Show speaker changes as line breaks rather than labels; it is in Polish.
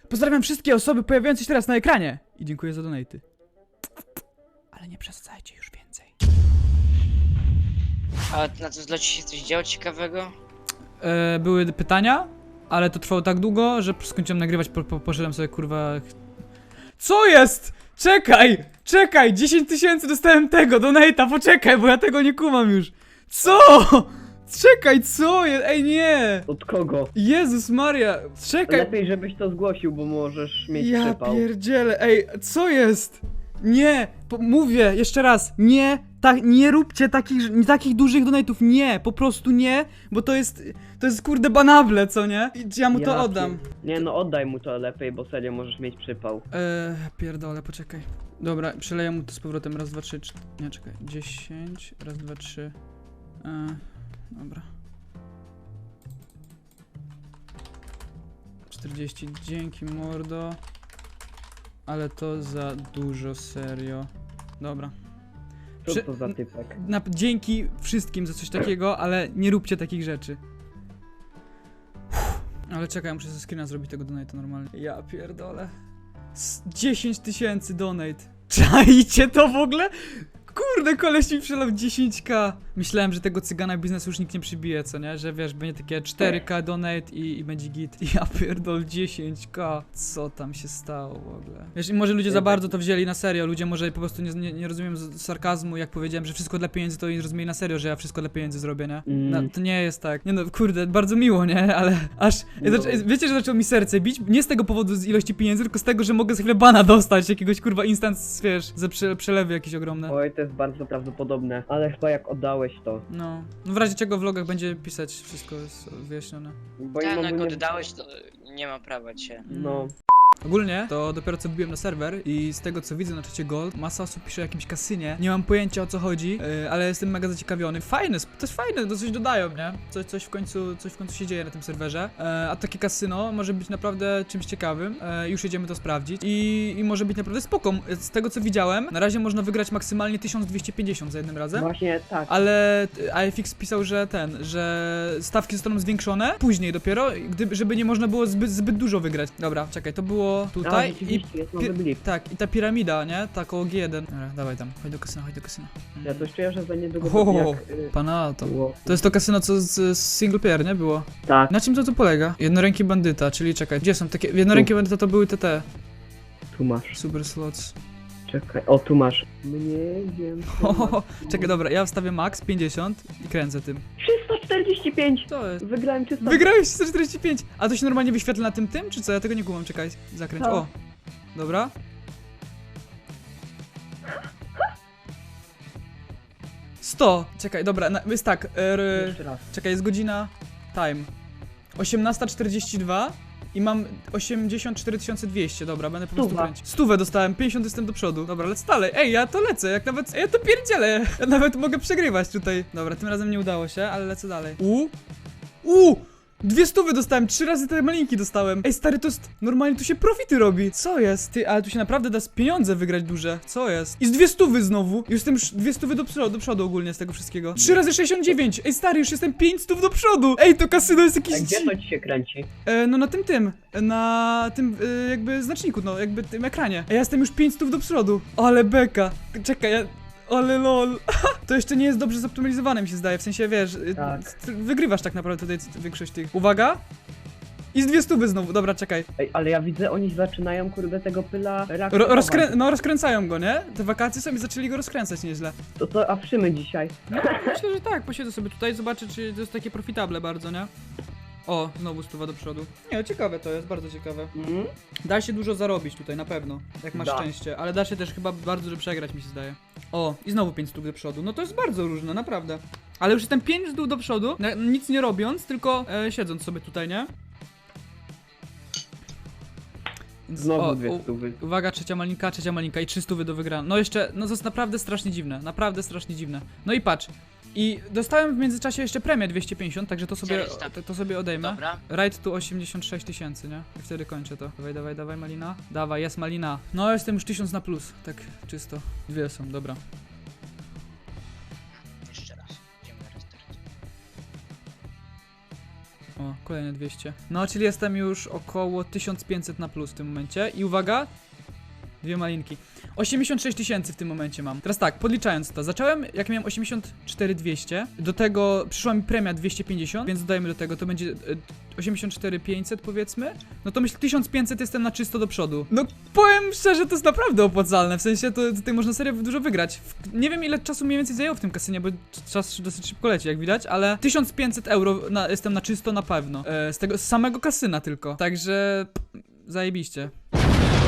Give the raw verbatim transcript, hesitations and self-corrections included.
Pozdrawiam wszystkie osoby pojawiające się teraz na ekranie. I dziękuję za donaty. Ale nie przesadzajcie już więcej.
A na to dla ci się coś działo ciekawego?
E, były pytania, ale to trwało tak długo, że skończyłem nagrywać, po, po, poszedłem sobie kurwa... Co jest? Czekaj! Czekaj! dziesięć tysięcy dostałem tego, donata, poczekaj, bo ja tego nie kumam już. Co? Czekaj, co jest? Ej, nie!
Od kogo?
Jezus Maria, czekaj!
Lepiej, żebyś to zgłosił, bo możesz mieć
Ja
przypał.
pierdzielę, ej, co jest? Nie, po, mówię jeszcze raz, nie, tak, nie róbcie takich, nie, takich dużych donate'ów, nie, po prostu nie, bo to jest, to jest kurde banable, co nie? I ja mu to
Ja
oddam.
pier- Nie no, oddaj mu to lepiej, bo serio możesz mieć przypał.
Eee, pierdolę, poczekaj. Dobra, przeleję mu to z powrotem, raz, dwa, trzy, cztery, nie, czekaj, dziesięć, raz, dwa, trzy, eee, dobra. czterdzieści, dzięki mordo. Ale to za dużo, serio. Dobra.
Co
Prze-
to za typek?
Na, dzięki wszystkim za coś takiego, ale nie róbcie takich rzeczy. Uff. Ale czekaj, muszę ze screena zrobić tego donate normalnie. Ja pierdolę. S- dziesięć tysięcy donate. Czajcie to w ogóle? Kurde, koleś mi przelał dziesięć ka. Myślałem, że tego cygana biznesu już nikt nie przybije, co nie? Że wiesz, będzie takie cztery ka donate i, i będzie git. Ja pierdol dziesięć ka. Co tam się stało w ogóle? Wiesz, i może ludzie za bardzo to wzięli na serio. Ludzie może po prostu nie, nie, nie rozumiem z- sarkazmu, jak powiedziałem, że wszystko dla pieniędzy, to i rozumieli na serio, że ja wszystko dla pieniędzy zrobię, nie?
Mm.
No, to nie jest tak. Nie no, kurde, bardzo miło, nie? Ale aż...
No.
Zaczę, wiecie, że zaczęło mi serce bić? Nie z tego powodu z ilości pieniędzy, tylko z tego, że mogę za chwilę bana dostać, jakiegoś kurwa instans, wiesz, za prze, przelewy jakieś ogromne.
Oj, to jest bardzo prawdopodobne. Ale chyba jak oddałeś to.
No. No w razie czego w vlogach będzie pisać, wszystko jest wyjaśnione.
Bo
Tak,
im
no jak
ogólnie-
oddałeś, to nie ma prawa cię.
No.
Ogólnie to dopiero co wbiłem na serwer i z tego co widzę na czacie Gold, masa osób pisze o jakimś kasynie. Nie mam pojęcia o co chodzi, yy, ale jestem mega zaciekawiony. Fajne, sp- to jest fajne, to coś dodają, nie? Coś, coś w końcu, coś w końcu się dzieje na tym serwerze. Yy, a takie kasyno może być naprawdę czymś ciekawym. Yy, już jedziemy to sprawdzić i, i może być naprawdę spoko. Z tego co widziałem, na razie można wygrać maksymalnie tysiąc dwieście pięćdziesiąt za jednym razem.
Właśnie tak.
Ale A F X pisał, że ten, że stawki zostaną zwiększone później dopiero, gdyby, żeby nie można było zbyt, zbyt dużo wygrać. Dobra, czekaj, to było
A,
tutaj i
rzeczywiście, jest nowy
pi-
blip.
tak, i ta piramida, nie? Ta koło G jeden. Dobra, dawaj tam, chodź do kasyna, chodź do kasyna.
Ja coś czuję, że za niedługo
Ho, ho,
to
ho.
jak... y,
Pana to.
było.
To jest to kasyno, co z, z single player, nie? Było.
Tak,
Na czym to tu polega? Jednoręki bandyta, czyli czekaj, gdzie są takie... Jednoręki bandyta to były te te.
tu masz.
Super slots.
Czekaj, o tu masz. Mniej wiem.
Ho, ho, ho. Czekaj, dobra, ja wstawię max pięćdziesiąt i kręcę tym.
trzysta czterdzieści pięć!
Co jest?
Wygrałem trzysta.
Wygrałeś sto czterdzieści pięć! A to się normalnie wyświetla na tym tym, czy co? Ja tego nie kumam, czekaj, zakręć.
Tak.
O! Dobra. sto! Czekaj, dobra, na, jest tak, er,
Jeszcze raz.
czekaj, jest godzina, time. osiemnasta czterdzieści dwa i mam osiemdziesiąt cztery tysiące dwieście, dobra, będę po prostu
Stuwa.
kręcić. Stówę dostałem, pięćdziesiąt jestem do przodu. Dobra, lecę dalej. Ej, ja to lecę, jak nawet, ja to pierdzielę. Ja nawet mogę przegrywać tutaj. Dobra, tym razem nie udało się, ale lecę dalej. U, u, dwie stówy dostałem, trzy razy te malinki dostałem. Ej, stary, to jest, normalnie tu się profity robi. Co jest? Ty, ale tu się naprawdę da z pieniądze wygrać duże. Co jest? I z dwie stówy znowu. Już jestem sz- dwie stówy do przodu, do przodu ogólnie z tego wszystkiego. trzy razy sześćdziesiąt dziewięć. Ej, stary, już jestem pięć stów do przodu. Ej, to kasyno jest jakieś...
A gdzie
dzi-
to ci się kręci?
E, no na tym tym, na tym e, jakby znaczniku, no jakby tym ekranie. A ja jestem już pięć stów do przodu. Ale beka. Czekaj, ja... Ale lol. To jeszcze nie jest dobrze zoptymalizowane, mi się zdaje, w sensie, wiesz, y,
Tak.
ty wygrywasz tak naprawdę tutaj c- większość tych. Uwaga! I z dwie stówy znowu, dobra, czekaj.
Ej, ale ja widzę, oni zaczynają kurde tego pyla
Ro
reaktywować.
rozkrę no rozkręcają go, nie? Te wakacje są i zaczęli go rozkręcać nieźle.
To co, awszymy dzisiaj?
No, myślę, że tak, posiedzę sobie tutaj, zobaczę, czy to jest takie profitable bardzo, nie? O, znowu stuwa do przodu. Nie, ciekawe to jest, bardzo ciekawe.
Mhm.
Da się dużo zarobić tutaj, na pewno, jak masz
Da.
szczęście, ale da się też chyba bardzo dużo przegrać, mi się zdaje. O, i znowu pięć stóp do przodu, no to jest bardzo różne, naprawdę. Ale już jestem pięć stóp do przodu, na, nic nie robiąc, tylko e, siedząc sobie tutaj, nie? Więc,
Znowu
o,
dwie
u-
stówy.
Uwaga, trzecia malinka, trzecia malinka i trzy stówy do wygrania. No jeszcze, no to jest naprawdę strasznie dziwne, naprawdę strasznie dziwne. No i patrz, i dostałem w międzyczasie jeszcze premię dwieście pięćdziesiąt, także to sobie,
czterysta.
to, to sobie odejmę.
Dobra.
Right tu osiemdziesiąt sześć tysięcy, nie? I wtedy kończę to. Dawaj, dawaj, dawaj, malina. Dawaj, jest malina. No, jestem już tysiąc na plus, tak czysto. Dwie są, dobra.
Jeszcze raz. Idziemy na restart.
O, kolejne dwieście. No, czyli jestem już około tysiąc pięćset na plus w tym momencie. I uwaga, dwie malinki. osiemdziesiąt sześć tysięcy w tym momencie mam. Teraz tak, podliczając to. Zacząłem, jak miałem osiemdziesiąt cztery dwieście. Do tego przyszła mi premia dwieście pięćdziesiąt, więc dodajmy do tego, to będzie e, osiemdziesiąt cztery pięćset powiedzmy. No to myślę, tysiąc pięćset jestem na czysto do przodu. No powiem szczerze, to jest naprawdę opłacalne. W sensie, to tutaj można serio dużo wygrać. W, nie wiem, ile czasu mniej więcej zajęło w tym kasynie, bo czas dosyć szybko leci, jak widać, ale tysiąc pięćset euro na, jestem na czysto na pewno. E, z tego, z samego kasyna tylko. Także zajebiście.